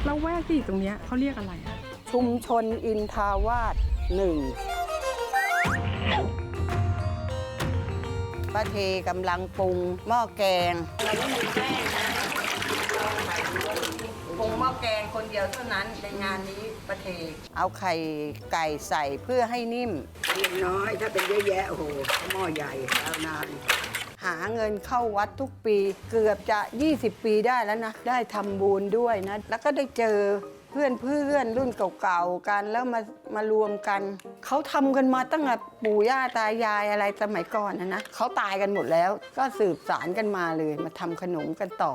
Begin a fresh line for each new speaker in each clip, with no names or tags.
แล้วแวกที่อยู่ตรงเนี้ยเขาเรียกอะไรอะ
ชุมชนอินทาวาส1ป้าเทกำลังปรุงหม้อแกงเราไม่มีแป้งนะปรุงหม้อแกงคนเดียวเท่านั้นในงานนี้ป้าเทเอาไข่ไก่ใส่เพื่อให้นิ่มเล็กน้อยถ้าเป็นเยอะแยะโอ้โหหม้อใหญ่แล้วนานหาเงินเข้าวัดทุกปีเกือบจะ20 ปีได้แล้วนะได้ทำบุญด้วยนะแล้วก็ได้เจอเพื่อนรุ่นเก่าๆกันแล้วมารวมกันเขาทำกันมาตั้งแต่ปู่ย่าตายายอะไรสมัยก่อนนะเขาตายกันหมดแล้วก็สืบสานกันมาเลยมาทำขนมกันต่อ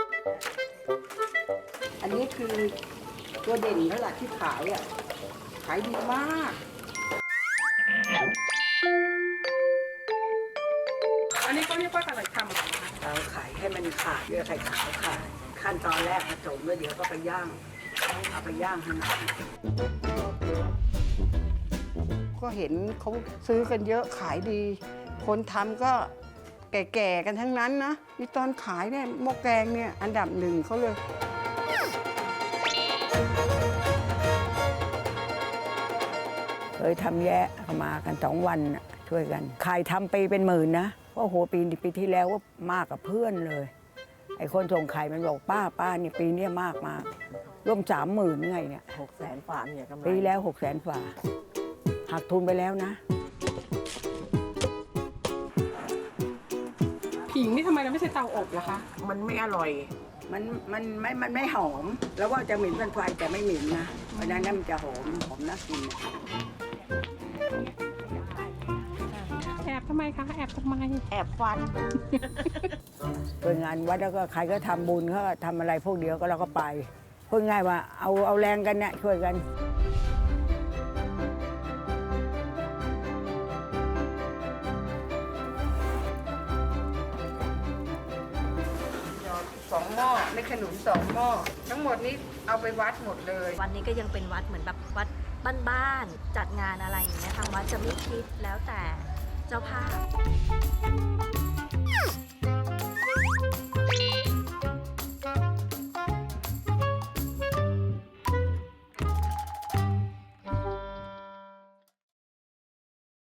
อันนี้คือตัวเด่นแล้วล่ะที่ขายอ่ะขายดีมาก
อันนี้เขาเรียกว่าอะไรทำอะไรคะ
เราขายให้มันขาดเยอะไข่ขาวค่ะขั้นตอนแรกผสมแล้วเดี๋ยวก็ไปย่างเอาไปย่างให้มันก็เห็นเขาซื้อกันเยอะขายดี คนทำก็แก่ๆกันทั้งนั้นนะมีตอนขายเนี่ยหม้อแกงเนี่ยอันดับ1เขาเลยเคยทำแยะเข้ามากัน2 วันช่วยกันขายทำปีเป็นหมื่นนะโอ้โหปีที่แล้วว่ามากกับเพื่อนเลยไอ้คนส่งไข่มันบอกป้านี่ปีนี้มากร่วม30,000ไงเนี่ย
600,000 ฝ่าเนี่ยกำไร
ปีแล้ว600,000 ฝ่าหักทุนไปแล้วนะ
ผิงนี่ทำไมเราไม่ใช่เตาอบล่ะคะ
มันไม่อร่อย
มันไม่หอม แล้วว่าจะเหม็นเป็นไฟแต่ไม่เหม็นนะเพราะนั้นมันจะหอมน่ากิน
แอบทำไมคะแอบทำไม
แอบฟัน
เป็นงานวัดแล้วก็ใครก็ทำบุญเขาก็ทำอะไรพวกเดียวก็เราก็ไปพูดง่ายว่าเอาแรงกันเนี่ยช่วยกัน2 หม้อไม่ขนุน2 หม้อทั้งหมดนี้เอาไปวัดหมดเลย
วันนี้ก็ยังเป็นวัดเหมือนแบบวัดบ้านๆจัดงานอะไรอย่างเงี้ยทางวัดจะไม่คิดแล้วแต่เจ้าภาพ